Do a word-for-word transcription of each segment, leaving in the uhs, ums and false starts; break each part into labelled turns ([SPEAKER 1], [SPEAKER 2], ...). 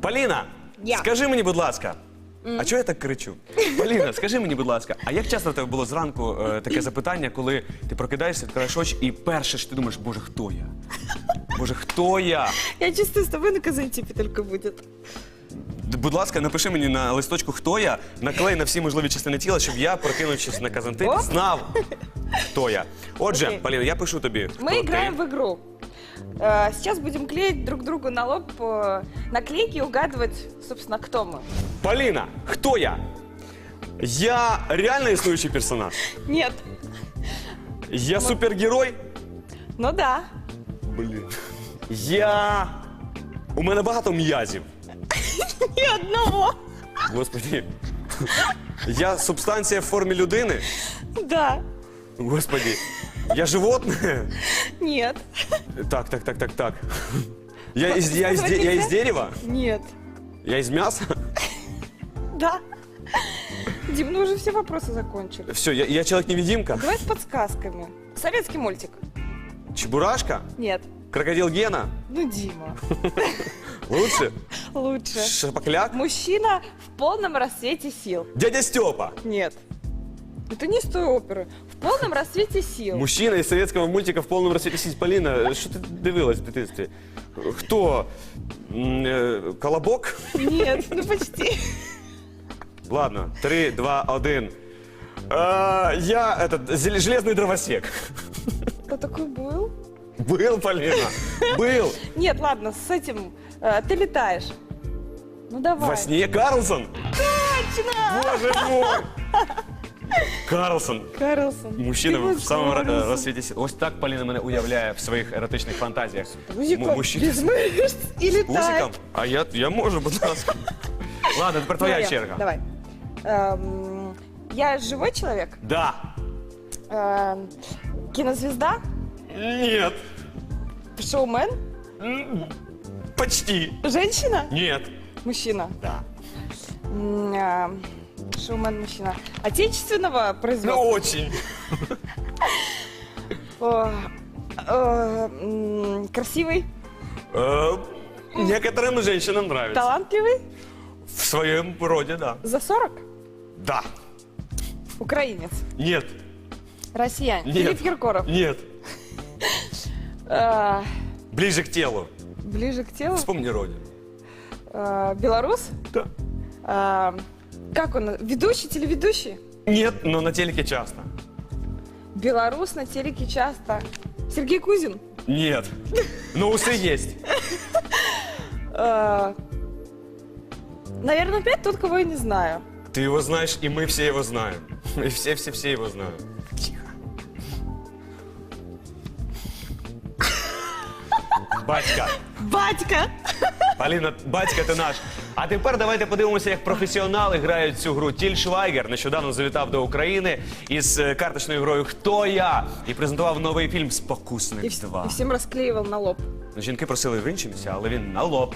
[SPEAKER 1] Поліна,
[SPEAKER 2] Я.
[SPEAKER 1] скажи мені, будь ласка. А чого я так кричу? Поліна, скажи мені, будь ласка, а як часто в тебе було зранку е, таке запитання, коли ти прокидаєшся, відкриваєш очі і перше ж ти думаєш, боже, хто я? Боже, хто я?
[SPEAKER 2] Я чувствую, с тобой на Казантипе только будет.
[SPEAKER 1] Будь ласка, напиши мені на листочку, хто я, наклей на всі можливі частини тіла, щоб я, прокинувшись на Казантип,
[SPEAKER 2] Оп.
[SPEAKER 1] знав, хто я. Отже,
[SPEAKER 2] Окей.
[SPEAKER 1] Поліна, я пишу тобі.
[SPEAKER 2] Мы
[SPEAKER 1] хто
[SPEAKER 2] играем
[SPEAKER 1] ти.
[SPEAKER 2] в игру. Э, Сейчас будем клеить друг другу на лоб э, наклейки и угадывать, собственно, кто мы.
[SPEAKER 1] Поліна, хто я? Я реально існуючий персонаж?
[SPEAKER 2] Нет.
[SPEAKER 1] Я супергерой?
[SPEAKER 2] Ну да.
[SPEAKER 1] Блін. Я... У мене багато м'язів.
[SPEAKER 2] Ни одного.
[SPEAKER 1] Господи. Я субстанція в формі людини?
[SPEAKER 2] Да.
[SPEAKER 1] Господи. Я животне?
[SPEAKER 2] Нет.
[SPEAKER 1] Так, так, так, так, так. Я из, я из, де- я из дерева?
[SPEAKER 2] Нет.
[SPEAKER 1] Я из мяса?
[SPEAKER 2] Да. Дим, ну уже все вопросы закончили.
[SPEAKER 1] Все, я, я человек-невидимка?
[SPEAKER 2] Давай с подсказками. Советский мультик.
[SPEAKER 1] Чебурашка?
[SPEAKER 2] Нет.
[SPEAKER 1] Крокодил Гена?
[SPEAKER 2] Ну, Дима.
[SPEAKER 1] Лучше?
[SPEAKER 2] Лучше.
[SPEAKER 1] Шапокляк?
[SPEAKER 2] Мужчина в полном рассвете сил.
[SPEAKER 1] Дядя Степа?
[SPEAKER 2] Нет. Это не с той оперы. В полном рассвете сил.
[SPEAKER 1] Мужчина из советского мультика в повному розсвіті сіть. Поліна, що ти дивилась в дитинстві? Хто? М, е, Колобок?
[SPEAKER 2] Нет, ну почти.
[SPEAKER 1] Ладно, три, два, один. А, я этот, зел- железный дровосек.
[SPEAKER 2] Кто такой был?
[SPEAKER 1] Был, Полина, был.
[SPEAKER 2] Нет, ладно, с этим э, ты летаешь. Ну давай.
[SPEAKER 1] Во сне Карлсон.
[SPEAKER 2] Точно!
[SPEAKER 1] Боже мой. Карлсон.
[SPEAKER 2] Карлсон.
[SPEAKER 1] Мужчина
[SPEAKER 2] Ты
[SPEAKER 1] в
[SPEAKER 2] мой
[SPEAKER 1] самому ра-
[SPEAKER 2] Карлсон.
[SPEAKER 1] розсвіті сіл. Ось так Поліна мене уявляє в своїх еротичних фантазіях.
[SPEAKER 2] Мужиком
[SPEAKER 1] М- мужчина
[SPEAKER 2] без
[SPEAKER 1] з
[SPEAKER 2] мышц и летать.
[SPEAKER 1] пузиком. А я, я можу, будь ласка. Ладно, тепер твоя
[SPEAKER 2] Давай,
[SPEAKER 1] черга.
[SPEAKER 2] Давай. Эм, я живой человек?
[SPEAKER 1] Да.
[SPEAKER 2] Эм, кинозвезда?
[SPEAKER 1] Нет.
[SPEAKER 2] Шоумен?
[SPEAKER 1] Почти.
[SPEAKER 2] Женщина?
[SPEAKER 1] Нет.
[SPEAKER 2] Мужчина?
[SPEAKER 1] Да.
[SPEAKER 2] М, э, Шоумен, мужчина. Отечественного
[SPEAKER 1] Ну,
[SPEAKER 2] производства?
[SPEAKER 1] очень.
[SPEAKER 2] О, э, м, красивый?
[SPEAKER 1] Э, Некоторым женщинам нравится.
[SPEAKER 2] Талантливый?
[SPEAKER 1] В своем роде, да.
[SPEAKER 2] За сорок?
[SPEAKER 1] Да.
[SPEAKER 2] Украинец?
[SPEAKER 1] Нет.
[SPEAKER 2] Россиянин?
[SPEAKER 1] Нет.
[SPEAKER 2] Филипп Киркоров?
[SPEAKER 1] Нет.
[SPEAKER 2] Э,
[SPEAKER 1] Ближе к телу.
[SPEAKER 2] ближе к телу?
[SPEAKER 1] Вспомни родину.
[SPEAKER 2] Э, белорус?
[SPEAKER 1] Да.
[SPEAKER 2] Э, как он? Ведущий, телеведущий?
[SPEAKER 1] Нет, но на телеке часто.
[SPEAKER 2] Белорус на телеке часто. Сергей Кузин?
[SPEAKER 1] Нет. Но усы есть.
[SPEAKER 2] Э, наверное, опять тот, кого я не знаю.
[SPEAKER 1] Ты его знаешь, и мы все его знаем. И все-все-все его знают. Тихо. Батька.
[SPEAKER 2] Батька!
[SPEAKER 1] Поліна, батька ти наш. А тепер давайте подивимося, як професіонали грають цю гру. Тіль Швайгер нещодавно завітав до України із е, карточною грою «Хто я?» і презентував новий фільм
[SPEAKER 2] И,
[SPEAKER 1] «Спокусник
[SPEAKER 2] вс-
[SPEAKER 1] два».
[SPEAKER 2] и всем расклеивал на лоб.
[SPEAKER 1] Жінки просили в інші місця, але він на лоб.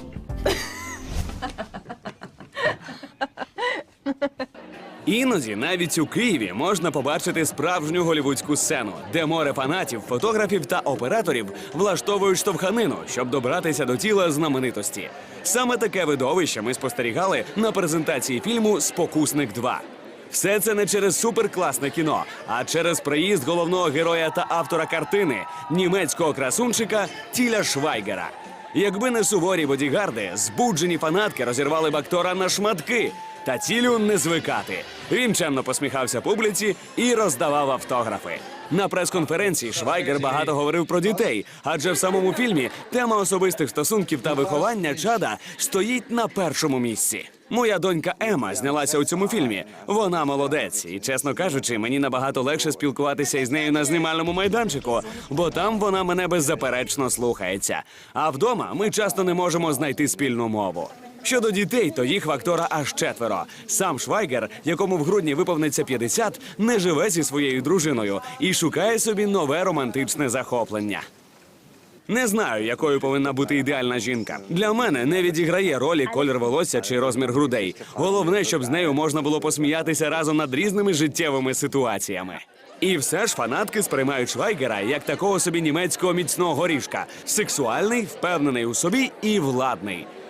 [SPEAKER 1] Іноді навіть у Києві можна побачити справжню голівудську сцену, де море фанатів, фотографів та операторів влаштовують штовханину, щоб добратися до тіла знаменитості. Саме таке видовище ми спостерігали на презентації фільму «Спокусник два». Все це не через суперкласне кіно, а через приїзд головного героя та автора картини – німецького красунчика Тіля Швайгера. Якби не суворі бодігарди, збуджені фанатки розірвали б актора на шматки. Та Тілю не звикати. Він чемно посміхався публіці і роздавав автографи. На прес-конференції Швайгер багато говорив про дітей, адже в самому фільмі тема особистих стосунків та виховання чада стоїть на першому місці. Моя донька Ема знялася у цьому фільмі. Вона молодець. І, чесно кажучи, мені набагато легше спілкуватися із нею на знімальному майданчику, бо там вона мене беззаперечно слухається. А вдома ми часто не можемо знайти спільну мову. Щодо дітей, то їх в актора аж четверо. Сам Швайгер, якому в грудні виповниться п'ятдесят, не живе зі своєю дружиною і шукає собі нове романтичне захоплення. Не знаю, якою повинна бути ідеальна жінка. Для мене не відіграє ролі колір волосся чи розмір грудей. Головне, щоб з нею можна було посміятися разом над різними життєвими ситуаціями. І все ж фанатки сприймають Швайгера як такого собі німецького міцного горішка. Сексуальний, впевнений у собі і владний.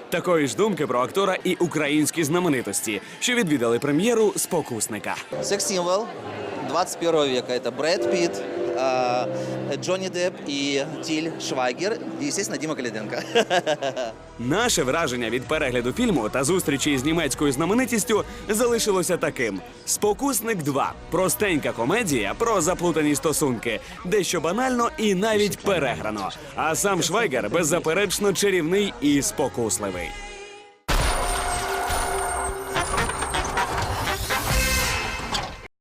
[SPEAKER 1] Такої ж думки про актора і українські знаменитості, що відвідали прем'єру «Спокусника».
[SPEAKER 3] Секс-символ двадцать первого века. Это Брэд Питт, э, Джонни Депп и Тиль Швайгер, и, естественно, Дима Калиденко.
[SPEAKER 1] Наше враження від перегляду фільму та зустрічі з німецькою знаменитістю залишилося таким: «Спокусник два» – простенька комедія про заплутані стосунки, дещо банально і навіть переграно. А сам Швайгер беззаперечно чарівний і спокусливий.